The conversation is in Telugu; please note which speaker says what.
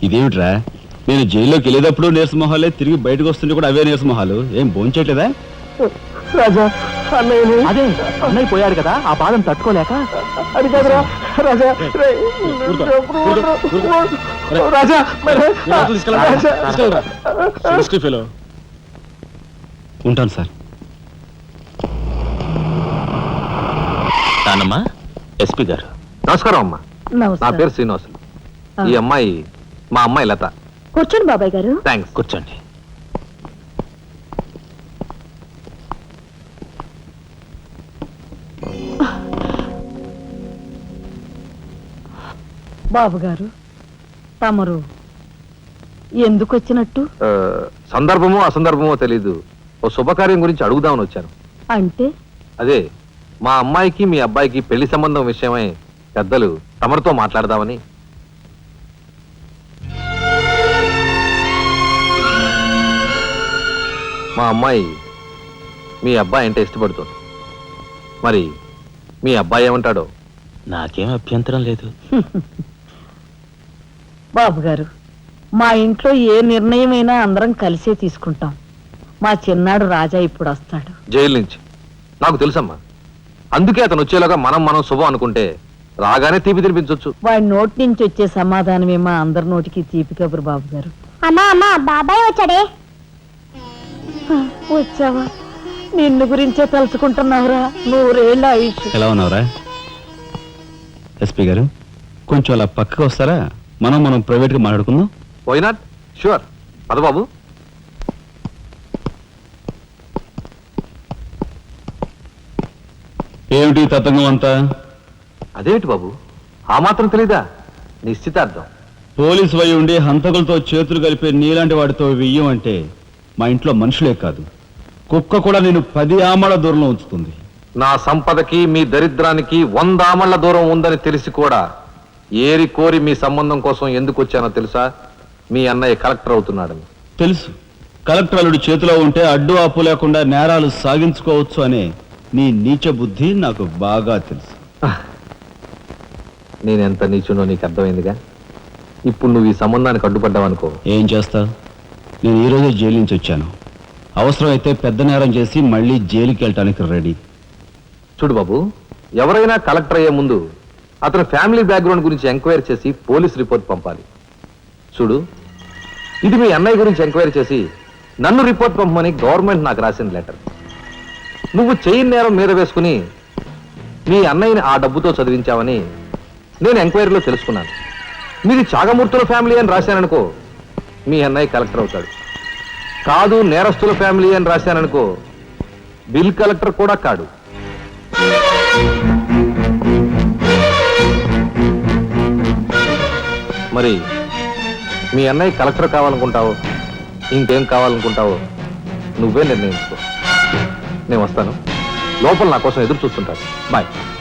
Speaker 1: ఇదేమిట్రా, నేను జైల్లోకి వెళ్ళేటప్పుడు నీరసమొహాలే, తిరిగి బయటకు వస్తుంటే కూడా అవే నీరసమొహాలు. ఏం భోంచేయట్లేదా?
Speaker 2: రాజా అన్నయ్యని
Speaker 3: అదే అన్నయ్య పోయాడు కదా, ఆ బాధం తట్టుకోలేక.
Speaker 2: అది కాదురా రాజా. రాజా
Speaker 1: ఉంటాను సార్.
Speaker 4: నానమ్మా, ఎస్పీ గారు.
Speaker 5: నమస్కారం అమ్మా. నా పేరు శ్రీనివాసులు. ఈ అమ్మాయి మా అమ్మాయి లత.
Speaker 6: కూర్చోండి బాబాయ్ గారు.
Speaker 5: థ్యాంక్స్.
Speaker 4: కూర్చోండి.
Speaker 6: బాబు గారు, తమరు ఎందుకు వచ్చినట్టు?
Speaker 5: సందర్భమో అసందర్భమో తెలీదు, ఓ శుభకార్యం గురించి అడుగుదామని వచ్చాను.
Speaker 6: అంటే
Speaker 5: అదే మా అమ్మాయికి మీ అబ్బాయికి పెళ్లి సంబంధం విషయమై పెద్దలు తమరితో మాట్లాడదామని. మా అమ్మాయి మీ అబ్బాయి అంటే ఇష్టపడుతుంది. మరి మీ అబ్బాయి ఏమంటాడో?
Speaker 4: నాకేం అభ్యంతరం లేదు.
Speaker 6: బాబు గారు, మా ఇంట్లో ఏ నిర్ణయమైనా అందరం కలిసే తీసుకుంటాం. మా చిన్నాడు రాజా ఇప్పుడు వస్తాడు
Speaker 5: జైలు నుంచి. నాకు తెలుసమ్మా, అందుకే అతను వచ్చేలాగా మనం శుభం అనుకుంటే రాగానే తీపి తినిపించవచ్చు.
Speaker 6: వాడి నోటి నుంచి వచ్చే సమాధానమే మా అందరి నోటికి తీపి కబురు. బాబు గారు.
Speaker 7: అమ్మా అమ్మా, బాబాయ్ వచ్చాడే.
Speaker 6: వచ్చావా? నిన్ను గురించే తలుచుకుంటున్నావురా. 100 ఏళ్ళ ఆయుష్.
Speaker 1: ఎలా ఉన్నావురా? ఎస్పీ గారు, కొంచెం అలా పక్కకు వస్తారా? మనం ప్రైవేట్గా మాట్లాడుకుందాం.
Speaker 5: Why not? షూర్. పద బాబు.
Speaker 1: ఏమిటి తతంగం అంతా?
Speaker 5: అదేమిటి బాబు, ఆ మాత్రం తెలీదా? నిశ్చితార్థం.
Speaker 1: పోలీసు వై ఉండి హంతకులతో చేతులు కలిపే నీలాంటి వాడితో వెయ్యం అంటే మా ఇంట్లో మనుషులే కాదు, కుక్క కూడా నేను 10 ఆమళ్ల దూరంలో ఉంచుతుంది.
Speaker 5: నా సంపదకి మీ దరిద్రానికి 100 ఆమళ్ల దూరం ఉందని తెలిసి కూడా ఏరి కోరి మీ సంబంధం కోసం ఎందుకు వచ్చానో తెలుసా? మీ అన్నయ్య కలెక్టర్ అవుతున్నాడని.
Speaker 1: తెలుసు. కలెక్టర్ అల్లుడి చేతిలో ఉంటే అడ్డు ఆపు లేకుండా నేరాలు సాగించుకోవచ్చు అనే నీ నీచ బుద్ధి నాకు బాగా తెలుసు.
Speaker 5: నేనెంత నీచునో నీకు అర్థమైందిగా. ఇప్పుడు నువ్వు ఈ సంబంధానికి అడ్డుపడ్డావనుకో.
Speaker 1: ఏం చేస్తావు? నేను ఈరోజే జైలు నుంచి వచ్చాను. అవసరమైతే పెద్ద నేరం చేసి మళ్ళీ జైలుకి వెళ్ళటానికి రెడీ.
Speaker 5: చూడు బాబు, ఎవరైనా కలెక్టర్ అయ్యే ముందు అతని ఫ్యామిలీ బ్యాక్గ్రౌండ్ గురించి ఎంక్వైరీ చేసి పోలీస్ రిపోర్ట్ పంపాలి. చూడు, ఇది మీ అన్నయ్య గురించి ఎంక్వైరీ చేసి నన్ను రిపోర్ట్ పంపమని గవర్నమెంట్ నాకు రాసిన లెటర్. నువ్వు చెయ్యి నేరం మీద వేసుకుని మీ అన్నయ్యని ఆ డబ్బుతో చదివించావని నేను ఎంక్వైరీలో తెలుసుకున్నాను. మీది చాగమూర్తుల ఫ్యామిలీ అని రాశాననుకో, మీ అన్నయ్య కలెక్టర్ అవుతాడు. కాదు, నేరస్తుల ఫ్యామిలీ అని రాశాననుకో, బిల్ కలెక్టర్ కూడా కాడు. మరి మీ అన్నయ్య కలెక్టర్ కావాలనుకుంటావో ఇంకేం కావాలనుకుంటావో నువ్వే నిర్ణయించుకో. నేను వస్తాను. లోపల నా కోసం ఎదురు చూస్తుంటాను. బాయ్.